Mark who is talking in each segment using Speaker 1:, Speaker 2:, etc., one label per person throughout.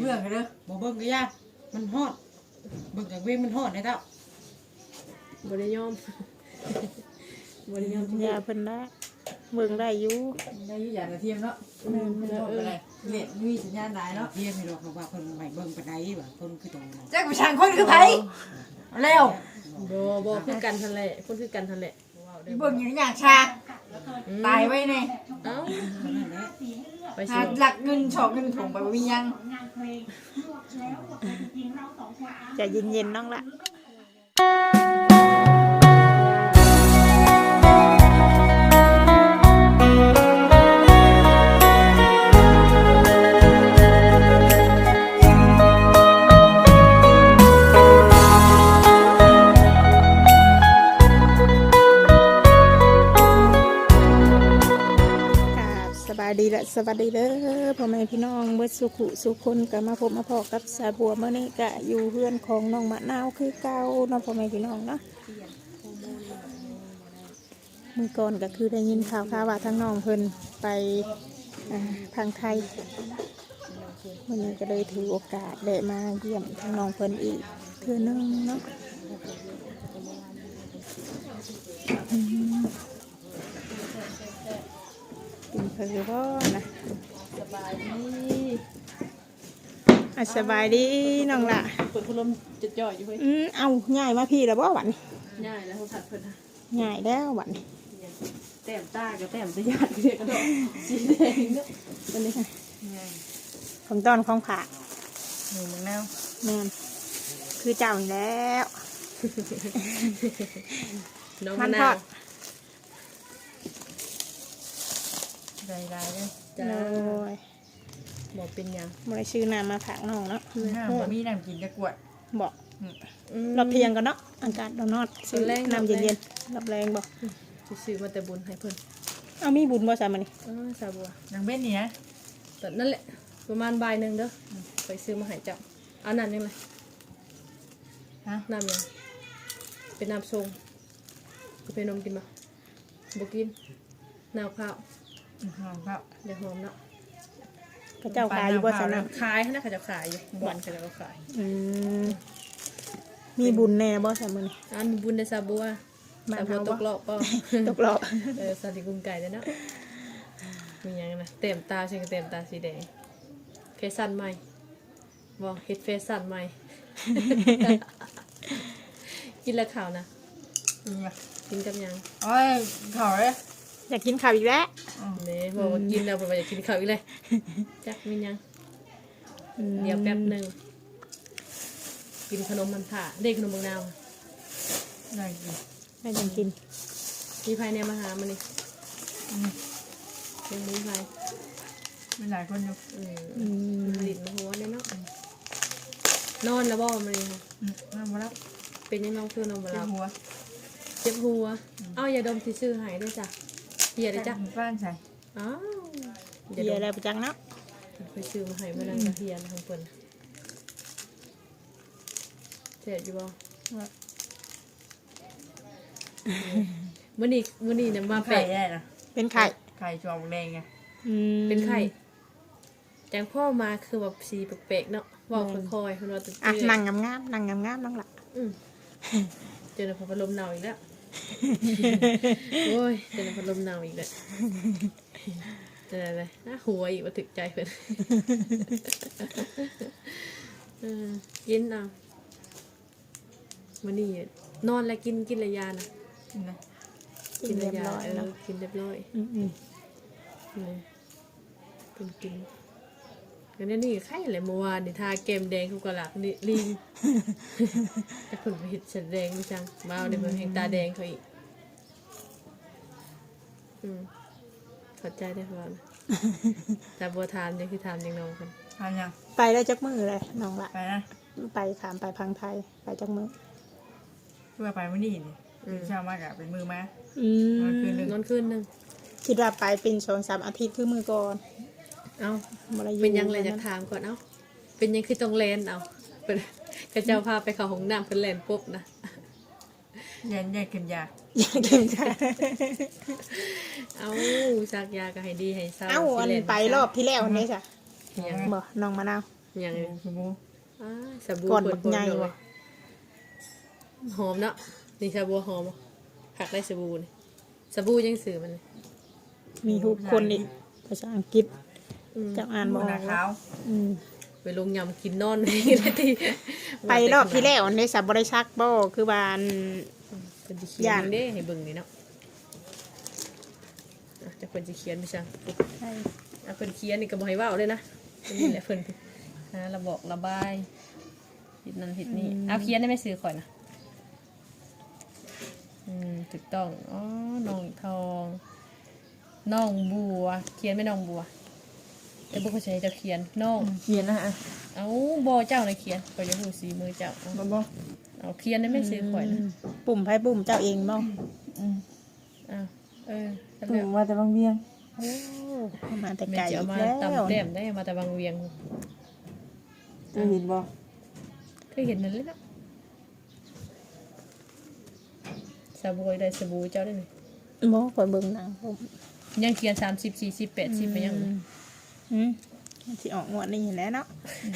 Speaker 1: เรื่องกันเด้อบ่เบิ่งก็ยากมันฮอดเบิ่งกับเว้มันฮอดได้เต้า
Speaker 2: บ่ได้ยอมบ่ได้ยอม
Speaker 3: ยาเพิ่นได้เบิ่งได้อยู่
Speaker 1: ได้อยู่อย่างกระเทียมเนาะมันฮอดไปเลยเน็ตมีสัญญาณหลายเนาะเทียมนี่ดอกว่าเพิ่นใหม่เบิ่งปานใดว่าเพิ่นคือตรงนั้นจักผู้ชายคนคือไผแล้ว
Speaker 2: บ่คือกันทันแหละคนคือกันทันแหละ
Speaker 1: อีเบิ่งอยู่อย่างชาตายไว้นี่
Speaker 2: เอ้าไปสิ
Speaker 1: หาหลักเงินชอกเงินถุงไปบ่มียัง
Speaker 3: ใจะเย็นๆน้องละสวัสดีละสวัสดีเด้อพ่อแม่พี่น้องเบิดสุขุสุคนก็มาพบมาพอกับสาบัวเมื่อนี้ก็อยู่เพื่อนของน้องมะนาวคือเก่าน้องพ่อแม่พี่น้องเนาะมือก่อนก็คือได้ยินข่าวว่าทั้งน้องเพิ่นไปทางไทยวันนี้ก็เลยถือโอกาสได้มาเยี่ยมทั้งน้องเพิ่นอีกเทื่อนึงเนาะกินเพื่อพ่อนะ
Speaker 2: สบายดี
Speaker 3: สบายดีน้องละ
Speaker 2: เปิดพัดลมจะจ่อยอยู่เฮ้ย
Speaker 3: เอาง่ายมาพี่แล้วบ่หวัน
Speaker 2: ง่ายแล้วเขาถัดเพิ่น
Speaker 3: ง่ายแล้วหวัน
Speaker 2: แต้มตากับแต้มตะยาดเรียกกันดอกสีแดงเนาะวันนี้
Speaker 3: ของต้อนของผัก
Speaker 1: หนูมึงแนว
Speaker 3: แม่นคือเจ้าอีกแล้ว
Speaker 2: น้อง
Speaker 3: มันทอด
Speaker 1: ได้เลย
Speaker 2: จ้า
Speaker 3: เลย
Speaker 2: บอกเป็นยัง
Speaker 3: บ่ได้ชื่อน้ำมาผักน้องเนาะ
Speaker 1: บ่มีน้ำกินจะกวด
Speaker 3: บอกรอบเที่ยงกันเนาะอากาศร้อนๆซื้อน้ำเย็นๆรับแรงบอก
Speaker 2: ซื้อมาแต่บุญให้เพิ่น
Speaker 3: เอามีบุญบ่ใส่มานี่
Speaker 2: สาบัว
Speaker 1: ยังเบ็ดนี่นะ
Speaker 2: แต่นั่นแหละประมาณบ่ายนึงเด้อไปซื้อมาให้เจ้าเอาน้ำยังไงน้ำยังเป็นน้ำส้มก็เป็นนมกินบ่บ่กินน้ำข้าว
Speaker 1: ครับ
Speaker 2: เดี๋ยวหอมเนาะ
Speaker 3: เขาเจ้าขายอยู่บ่ใส่น้
Speaker 2: ำขายนะเขาจะขายอยู่บ่อนเขาจะขาย
Speaker 3: มีบุญแน่บ่ใส่มานี่
Speaker 2: มีบุญในซาบัวซาบัวตกรอบป่ะ
Speaker 3: ตกรอบ
Speaker 2: สาลิกุมไก่เลยเนาะมีอย่างนะเต็มตาชิงเต็มตาสีแดงเฟชั่นใหม่บอกเฮ็ดเฟชั่นใหม่กินแล้วข่าวนะกินกับยัง
Speaker 1: โอ้ยข่าวเลย
Speaker 3: อยากกินข้าวอีกแล้ว
Speaker 2: เนี่ยบอกว่ากินแล้วบอกว่าอยากกินข้าวอีกเลยจักมียังเดี๋ยวแป๊บนึงกินขนมมันผ่าเด็กขนมบางนาว
Speaker 1: ได้กิน
Speaker 3: ได้ยังกิน
Speaker 2: มีไผ่เนี่ยมาหามันนี่ยังมีไผ่
Speaker 1: มีหลายคนอยู่
Speaker 2: หลินมาหัวเนี่ยเนาะนอนแล้วบ่มันนี่
Speaker 1: นอนมาแล้ว
Speaker 2: เป็นยังน้องคือนอนมาแล้ว
Speaker 1: เจ็บหัว
Speaker 2: เอาอย่าดมที่ซื้อหายด้วยจ้ะเฮียได้จ้ะ
Speaker 1: บ้านใส่
Speaker 2: อ้าว
Speaker 3: เฮียอะไรประจังเนาะ
Speaker 2: ไปซื้อมาให้มานั่งเฮียทั้งคนเจ็บอยู่บ่มื้อนี้เนี่ยมา
Speaker 1: ไข่ได้นะ
Speaker 3: เป็นไข่
Speaker 1: ไข่จอมแดงไง
Speaker 2: เป็นไข่แจงพ่อมาคือแบบสีแปลกๆเนาะว่าค่อยๆคนเราตื่น
Speaker 3: นั่งงามๆนั่งงามๆน้องละ
Speaker 2: เจอในพัดลมหนาวอีกแล้วโอ้ยเจอในพัดลมหนาวอีกแล้วเจออะไรน่าหัวอีกว่าถึกใจเพื่อนกินเอามื้อนี้นอนแล้วกินระยานะกินระยากินเรียบร้อยเป็นกินกันนี่ไข่อะไรเมื่อวานนี่ทาเกมแดงเขากระหลักนี่ลิงแต่คนไปเห็ดฉันแดงไม่จังมาเอาในเมืองแห่งตาแดงเขาอีกขอใจได้พอนะแต่บัวทานยังคือทานยังน้องกัน
Speaker 1: ทานยัง
Speaker 3: ไปได้จักมือเลยน้องละ
Speaker 1: ไปนะ
Speaker 3: ไปขามไปพังไทยไปจักมือ
Speaker 1: เพื่อไปวันนี้นี่เช้ามากอะเป็นมือมาน
Speaker 2: อนคืนนึง
Speaker 3: คิดว่าไปเป็น2-3 อาทิตย์คือมือก่อน
Speaker 2: เอาเป็นยังเลยจะถามก่อนเอาเป็นยังคือตรงเลนเอาเป็นกระเจ้าพาไปเขาห้องน้ำเป็นเลนปุ๊บนะ
Speaker 1: ยันเข็มยา
Speaker 2: เอาซักยาก็ให้ดีให้เศร้า
Speaker 3: เอาอันไปรอบที่แล้วนี่จ้ะบอกน้องมะนาว
Speaker 2: อย่างนี้
Speaker 1: สบู่
Speaker 2: สบู่
Speaker 3: ก่อน
Speaker 2: เปิ
Speaker 3: บั
Speaker 2: ด
Speaker 3: ก
Speaker 2: เผย
Speaker 3: ใหญ่
Speaker 2: เลย
Speaker 3: ว่ะ
Speaker 2: หอมเนาะนี่สบู่หอมผักได้สบู่นี่สบู่ยังสื่อมัน
Speaker 3: มีรูปคนอีกภาษาอังกฤษ
Speaker 2: อืม
Speaker 3: จะอ่านบ่อ
Speaker 1: หน้า
Speaker 3: อก
Speaker 1: ขาว
Speaker 3: อืม
Speaker 2: ไปลงยำกินนอนนี่เลยที
Speaker 3: ไปรอบที่แล้วในสับบริษัทบ่คือบ้าน
Speaker 2: เป็นจะเขียนเด้ให้เบิ่งนี่เนาะจะเป็นจะเขียนไม่ใช่เพิ่นเขียนนี่ก็บ่ให้เว้าเลยนะนี่แหละเพิ่นระบอกระบายผิดนั่นผิดนี่เอาเขียนได้ไม่ซื้อข่อยนะถูกต้องอ๋อน้องทองน้องบัวเขียนไม่น้องบัวแต่บุคคลใช้จะเขียนน้อง
Speaker 1: เขียนนะฮะ
Speaker 2: เอาบอเจ้าเลยเขียนข่อยจะหูสีมือเจ้า
Speaker 1: บ่
Speaker 2: เอาเขียนได้ไม่ซื้อข่อยนะ
Speaker 3: ปุ่มไพ่ปุ่มเจ้าเองบ่
Speaker 2: อ้าวจำ
Speaker 1: ถู
Speaker 2: ได้
Speaker 1: กมาแต่บางเวียง
Speaker 3: โอ้เอามาแต่
Speaker 2: แม่
Speaker 3: ไก่
Speaker 2: จะ
Speaker 3: อี
Speaker 2: เอา
Speaker 3: ก
Speaker 2: มา
Speaker 3: แล้ว
Speaker 2: ตำแต้มได้มาแต่บางเวียง
Speaker 1: จะเห็นบ่
Speaker 2: เคยเห็นนั่นเลยเนาะสบู่ได้สบู่เจ้าได้ไหม
Speaker 3: บ่ข่อยเบิ่งหนังผม
Speaker 2: ยังเขียน30 40 80ไปยัง
Speaker 3: สิออกงวดนี้แหล้วเนาะ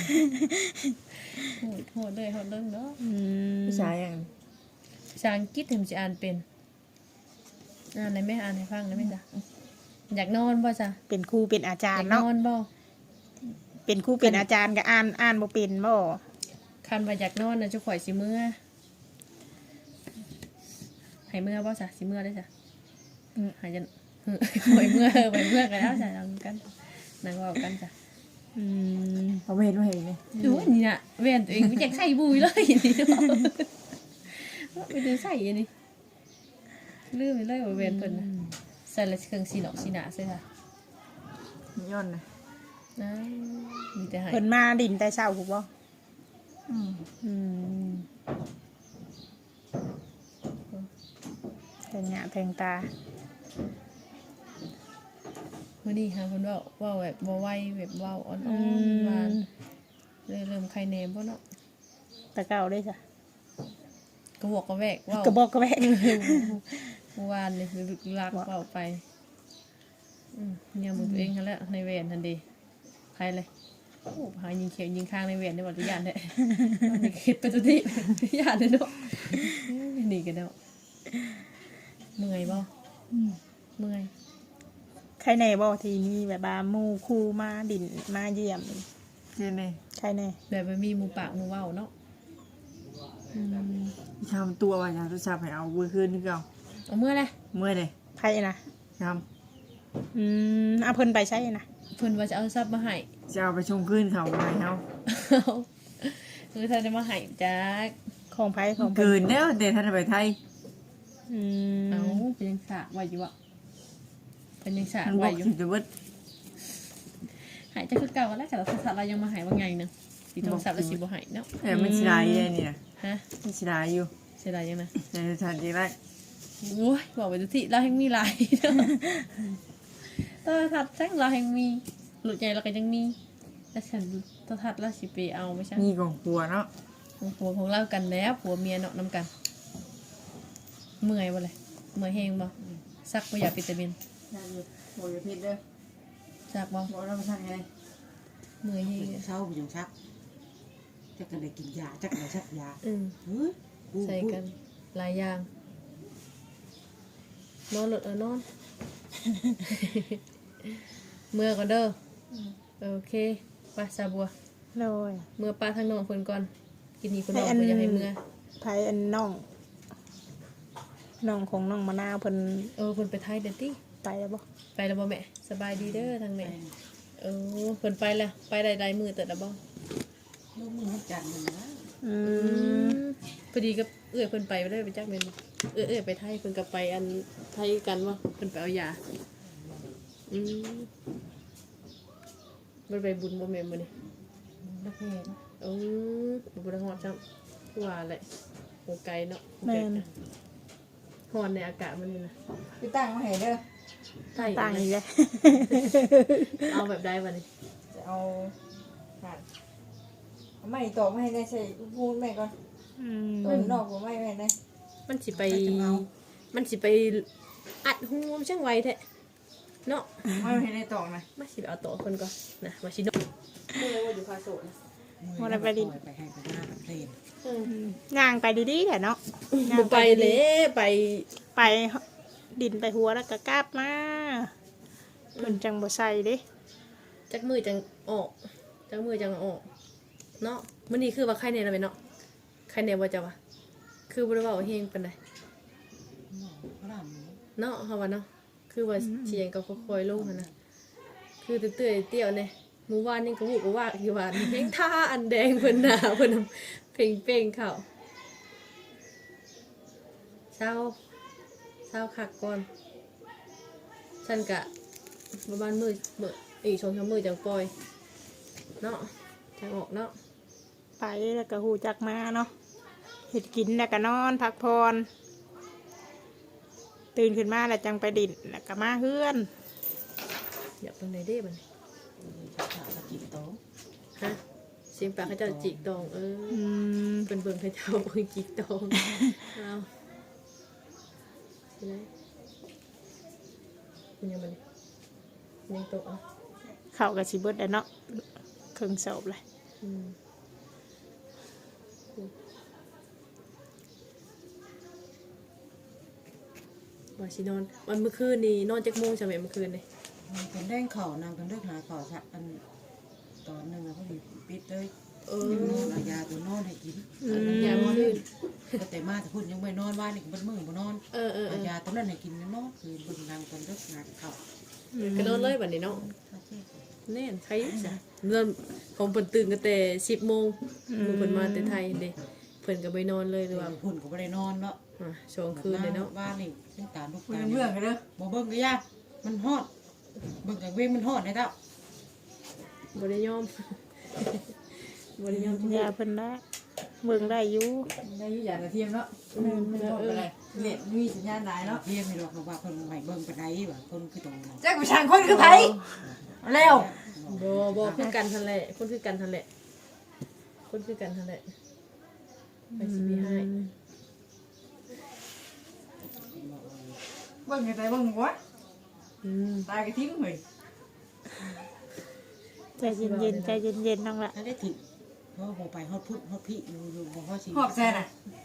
Speaker 2: โหดเลยเนาะ
Speaker 1: ผู้ชายอย่าง
Speaker 2: ภาษาอังกฤษถึงจะอ่านเป็นอ่านได้ไหมอ่านให้ฟังได้ไหมจ๊ะอยากนอนบ่จ๊ะ
Speaker 3: เป็นครูเป็นอาจา
Speaker 2: อ
Speaker 3: ร
Speaker 2: ยาก
Speaker 3: ย์
Speaker 2: น
Speaker 3: เนาะ
Speaker 2: อนบ่
Speaker 3: เป็นครูเป็นอาจารย์ก็อ่านบ่เป็นบ่
Speaker 2: คันว่าอยากนอนนะจะข่อยสิเมื่อให้เมื่อบ่จ๊ะสิเมื่อได้จ้ะหายจะข่อยเมื่อไปเมื่อกันแล้วจ้ะนั่งกันนั่งเว้ากันจ้ะ
Speaker 1: เขาไม่เห็นว่าเห็นเลย
Speaker 2: ดูว่านี่น่ะแว่นตัวเองไม่อยากใส่บุยเลยนี่เนาะไปดูใส่อันนี้ลืมไปเลยว่าแว่นเพิ่นน่ะใส่แล้วเครื่องสีหนอกสีหนาใส่ค่ะ
Speaker 1: ย้อนนะ
Speaker 2: นะมีแต่ให้
Speaker 3: เพิ่นมาดินแต่เช้าถูกบ่แทงหน้าแทงตา
Speaker 2: มื้อนี้หาเพิ่นเว้าแบบบ่ไหวแบบเว้าอ่อนๆหวานเลยเริ่มไข้แหนมบ่เนาะ
Speaker 3: ตะเก้าได้จ้ะ
Speaker 2: กระบอกกระแวกเว้าก
Speaker 3: ระบอกกระแบก
Speaker 2: เมื่อวานนี่ลึกลักเว้าไปเนี่ยมือตัวเองหั่นแหละในแหวนนั่นดิใครเลยโอ้หายิงเขียวยิงข้างในแหวนได้บ่ทุกอย่างแท้นี่คิดไปทุกที่ญาติเนาะนี่กันเนาะเมื่อยบ่เมื่อย
Speaker 3: ใครในบ่ทีนี้แบบว่าหมู่ครูมาดินมาเยี่ยม
Speaker 1: เขียนเลย
Speaker 3: ใครใน
Speaker 2: แบบมันมีหมูปากหมูเว้าเนาะ
Speaker 1: ทำตัวว่าอย่างทุกชาไปเอาเวอร์คืนนึกเอา
Speaker 2: เอาเมื่อไร
Speaker 1: เมื่อเลย
Speaker 3: ใครนะ
Speaker 1: ท
Speaker 3: เอาเพิ่นไปใช่นะ
Speaker 2: เพิ่นว่าจะเอาทรัพย์มาให้
Speaker 1: ำจะเอาไปชงขึ้นเขาไปเขา
Speaker 2: คือถ้าจะมาให้จัก
Speaker 3: ของไผของเพิ่น
Speaker 1: เกินแล้วเดี๋ยวท่านไปไทย
Speaker 2: เอาเป็นยังสากไว้อยู่อ่ะเป็นยังสาก
Speaker 1: มันบ
Speaker 2: ไว้
Speaker 1: อก
Speaker 2: อยู่
Speaker 1: ถึงจะเบิด
Speaker 2: หายจะคือเก่าแล้วแต่เราสัตว์เรายังมาหายว่าไงนึงสีโทรศัพท์เราสีบ่หายเนาะ
Speaker 1: แต่มันชิลายเลยนี่นะ
Speaker 2: ฮะ
Speaker 1: มันชิลายอยู่
Speaker 2: เสียดายยังนะ
Speaker 1: ในสถานที่แรก
Speaker 2: โอ้ยบอกไปทุกที่เราแห่งมีหลายเนาะตัวทัดแจ้งเราแห่งมีหลุดใหญ่เราก็ยังมีแต่ฉันตัวทัดเราสิไปเอาไม่ใช่
Speaker 1: มีของครัวเนาะ
Speaker 2: ผัวของเรากันแล้วผัวเมียเนาะน้ำกัน เมื่อยบ่เลยเมื่อยแห้งบ่ซักบ่อยากวิตามิน
Speaker 1: ได้อยู่โอ้ยพิษเด้อ
Speaker 2: ซักบ่
Speaker 1: บอกเราไปทางไง
Speaker 2: เมื่อยแห้ง
Speaker 1: เช้าไปอยู่ชักจักกันได้กินยาจักกันได้ชักยา
Speaker 2: อืมใส่กันหลายอย่างนอนหลดนอน เมื่อก่อนเด้อโอเคไปซาบัว
Speaker 3: เลย
Speaker 2: เมื่อป้าทางน้องเพิ่นก่อนกินนี่เพิ่นน้องเพิ่นอยากให้เมื่อ
Speaker 3: ไผอันน้องของน้องมะนาวเพิ่น
Speaker 2: เพิ่นไปไทยเด้อติ
Speaker 3: ไปแล้วบ่
Speaker 2: ไปแล้วบ่แม่สบายดีเด้อทางแม่เพิ่นไปแล้วไปได้หลายมื้อเติบแล้วบ่
Speaker 1: ลูกมือจันมันนะ
Speaker 2: พอดีกับเอื้อยเพิ่นไปได้ไปจักแม่นบ่เอื้อยไปไทยเพิ่นก็ไปอันไทยกันบ่เพิ่นไปเอายามันไปบุญบ่แม่นมื้อนี้
Speaker 1: นักเรียน
Speaker 2: บ่ได้ฮอดจังว่าแหละโหไกลเนาะ
Speaker 3: แม่น
Speaker 2: ฮ้อนในอากาศมันนี่นะ
Speaker 1: พี่ตั้งมาให้เด้อ
Speaker 2: ใต้
Speaker 3: ต่างอีกแล้ว
Speaker 2: เอาแบบใดบัดนี้
Speaker 1: จะเอาผ่านไม่ต่อไม่ให้ได้ใส่พูดแม่ก่อนตัวนอกผมไม่แม่ได้
Speaker 2: มันสิไปอัดหูมจังไวแท้เนาะ
Speaker 1: ไม่ให้ได้ต่อนะ
Speaker 2: มาสิไปเอาโต๊ะคนก่อนนะมาสิโนพูดเลยว่าอยู่คาโซนะ
Speaker 3: วันละไปดิน
Speaker 1: ไปให้ไปหน้าเล่น
Speaker 3: ย่างไปดีๆแหละเนาะย่าง
Speaker 2: ไปเลยไป
Speaker 3: ไปดินไปหัวแล้วก็กลับมาเพิ่นจังบ่ใส่เด้
Speaker 2: จักมือจังออกจักมือจังออกเนาะมันนี่คือว่าใครเนี่ยเราไปเนาะใครเนี่ยว่าจะวะคือบ่ได้ว่าเฮงปานใด
Speaker 1: เขาท
Speaker 2: เนาะเฮาว่าเนาะคือว่าเสียงก็ค่อยๆลงหั่นนะคือเตื้อยๆเตี้ยวเนี่ยเมื่อวานนี่ก็วูบก็ว่าอยู่ว่าเพลงท่าอันแดงเพิ่นหน้าเพิ่นเพลงเป้งเข้าเช้าคักก่อนฉันกะประมาณมื้ออีก2-3มื้อจังปล่อยเนาะจังออกเนาะ
Speaker 3: ไปแล้วก็หูจักมาเนาะเฮ็ดกินแล้วก็นอนพักผ่อนตื่นขึ้นมาแล้วจังไปดินแล้วก็มาเฮือน
Speaker 2: อยากเป็นไหนได้บ้าง
Speaker 1: ำจะขาดกินโต๊ะ
Speaker 2: ฮะเสียงปากเขาเจ้าจิกตองเป็นเบิ่งเขาเจ้าเบิ่งจิกตองเอาใช่ไหมคุณยังมันยังตกอ่ะ
Speaker 3: เข้ากับสิเบิดแล้วเนาะครึ่งศพเลย
Speaker 2: ว่าสินอนวันเมื่อคืนนี่นอนจักโมงใช่ไหมเมื่อคืนนี่
Speaker 1: เป็นแดงเข่านางเป็นเลือกหาเข่าสักอันตอนหนึ่งเขาปิดเลยนอนเอายาตัวนอนให้กิน
Speaker 2: ยามเมื่อคืน
Speaker 1: แต่มาแต่พูดยังไม่นอนว่านี่ก็เป็นมือบ่นอน
Speaker 2: เอา
Speaker 1: ยาตัวนั้นให้กินนอนคือเป็นนางเป็นเลือกหาเข่า
Speaker 2: ก็นอนเลยวันนี้เนาะแน่นใครจ้ะเริ่มของเพิ่นตื่นกันแต่10 โมงมือเพิ่นมาแต่ไทยเด้เพิ่นก็ไปนอนเลยหรือว่า
Speaker 1: หุ่นก็ไม่ได้นอนเนาะ
Speaker 2: ช่วงคืนเลยเนาะ
Speaker 1: บ้านนี่เป็นตาลูกตาเบื่อกันเด้อบ่เบิ่งก็ยากมันฮอดเบิ่งกับเว้งมันฮอดได้เท่า
Speaker 2: บริยอม บริยอม
Speaker 3: ยาเพิ่นได้เบิ่งได้อยู่
Speaker 1: ได้อยู่อย่างกระเทียมเนาะอะไรเน็ตมีสัญญาณได้เนาะเทียมมีหรอกว่าคนใหม่เบิ่งปานใดว่าคนคือโตนะจักผู้ชายคนคือไผแล้ว
Speaker 2: บ่คือกันทันแหละคนคือกันทันแหละคนคือกันทันแหละไปสิมีให้
Speaker 1: เบิ่งไงแต่เบิ่งหัวตายกระทิ้งเฮ้ย
Speaker 3: ใจเย็นๆใจเย็นๆน้องละ
Speaker 1: ถ้าได้ถึงเพราะบ่ไปฮอดพุทธฮอดพี่อยู่บ่ฮอดสิ
Speaker 4: หอบแซนอ่ะ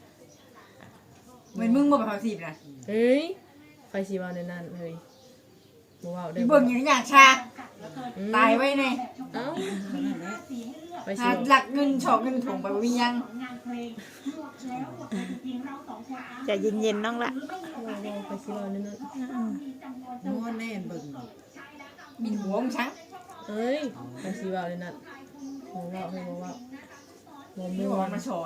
Speaker 4: เหมือนมึงบ่ไปหอบสีบนะ
Speaker 2: เฮ้ยไปสิเว้าในนั้นเฮ้ยบ่เว้าได้
Speaker 4: พี่เบิ่งอย่างอย่างชาตายไว้ใน
Speaker 2: เอ้า
Speaker 1: นั่นแหละ
Speaker 2: ไปสิ
Speaker 4: หาหลักเงินฉอกเงินถุงไปบ่มียัง
Speaker 3: ใจเย็นๆน้องละ
Speaker 2: ไปสิเว้าในนั้น
Speaker 1: นอนแน่นเบิ่ง
Speaker 4: บินหัวมึงช้าง
Speaker 2: เอ้ยไปสิเว้าในนั้นบ่เว้าให้บ่เว้าบ่
Speaker 4: นี่
Speaker 2: ม่
Speaker 4: บอก
Speaker 2: ว
Speaker 4: ว่าน มาชอน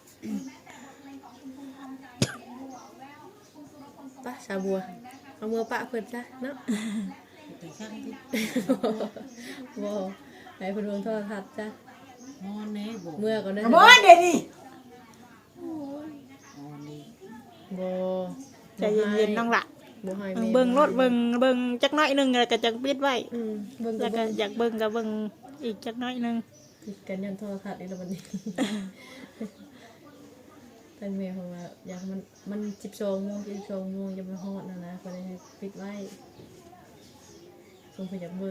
Speaker 2: ปะชาบัวเอามือปะเพิ่นซะเนาะ
Speaker 1: แต่ช่างที่
Speaker 2: บ่ให้เพิ่นเบิ่งโทรทัศน์จ้ะ
Speaker 1: นอนแน่บ่
Speaker 2: เมื่อก่อนนั้น
Speaker 4: กระบอนเดี๋ยวนี้
Speaker 1: นอนนี่
Speaker 2: บ่
Speaker 3: ใจเย็นๆน้องละ
Speaker 2: บ่ให้แม่
Speaker 3: เบิ่งรถเบิ่งจักน้อยหนึงแล้วก็จังปิดไว้
Speaker 2: เบิ่ง
Speaker 3: แล้วก็
Speaker 2: ก็
Speaker 3: อยากเบิ่งก็เบิ่งอีกจักน้อยหนึง
Speaker 2: ติดกันยันโทรทัศน์นี่แล้ววันนี้ แต่แม่เพราะว่าอยากมัน12 โมง12 โมงจะมาฮอดนะก็เลยปิดไว้คงเพิ่นอยากเบิ่ง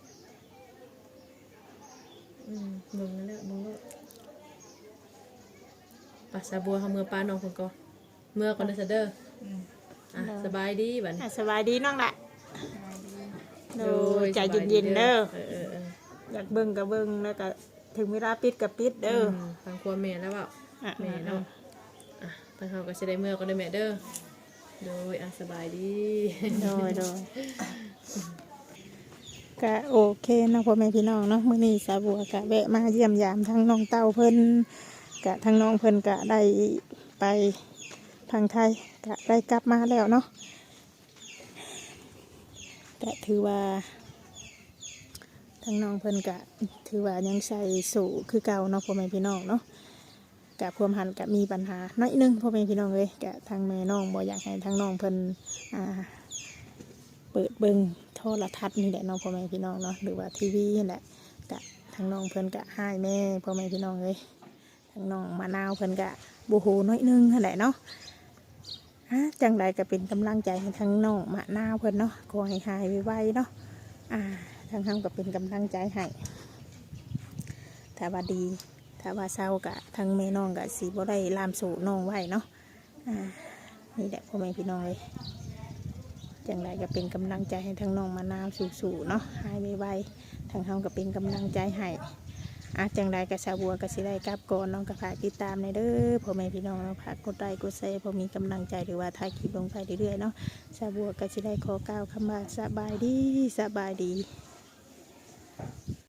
Speaker 2: เบิ่งนั่นแหละเบิ่งแล้วปะสาบัวเฮาเมื่อป้าน้องเพิ่นก่อนเมื่อก่อนเด้อซะเด้อสบายดีบัดนี้
Speaker 3: สบายดีน้องละโดยใจเย็นๆเด้อ อยากเบิ่งก็เบิ่งแล้วก็ถึงเวลาปิดก็ปิดเด้อ
Speaker 2: ทางครัวแม่แล้วเปล่า
Speaker 3: อ่ะ
Speaker 2: แม่เนาะทางเขาก็จะได้เมื่อก็ได้แม่เด้อโดยสบายดี
Speaker 3: โดยก็โอเคเนาะพ่อแม่พี่น้องเนาะมื้อนี้สาบัวก็แวะมาเยี่ยมยามทั้งน้องเต้าเพิ่นก็ทั้งน้องเพิ่นก็ได้ไปทางไทยก็ได้กลับมาแล้วเนาะก็ถือว่าทั้งน้องเพิ่นก็ถือว่ายังใส่สู่คือเก่าเนาะพ่อแม่พี่น้องเนาะกะพวมหันกะมีปัญหาน้อยนึงพ่อแม่พี่น้องเลยกะทางแม่น้องบ่อยากให้ทางน้องเพิ่นเปิดเบิ่งโทรทัศน์นี่แหละเน้องพ่อแม่พี่น้องเนาะหรือว่าทีวีนี่แหละกะทางน้องเพิ่นกะให้แม่พ่อแม่พี่น้องเลยทางน้องมะนาวเพิ่นกะบ่โหน้อยนึงนั่นแหละเนาะจังใดก็เป็นกำลังใจให้ทางน้องมะนาวเพิ่นเนาะขอให้หายไวๆเนาะทางทำก็เป็นกำลังใจให้ถ้าว่าดีถ้าว่าเศร้ากะทั้งแม่น้องกะสิบ่ได้ลามสู่น้องไว้เนาะนี่แหละพ่อแม่พี่น้องเลยจังไรก็เป็นกำลังใจให้ทั้งน้องมะนาวสู้ๆเนาะหายไวๆทางเฮาก็เป็นกำลังใจให้จังไรก็สาวบัวก็สิได้กลับก่อนน้องก็ฝากติดตามในเด้อพ่อแม่พี่น้องเนาะฝากกดไลค์กดแชร์พอมีกำลังใจหรือว่าถ่ายคลิปลงไปเรื่อยๆเนาะสาวบัวก็สิได้ขอกล่าวคำว่าสบายดี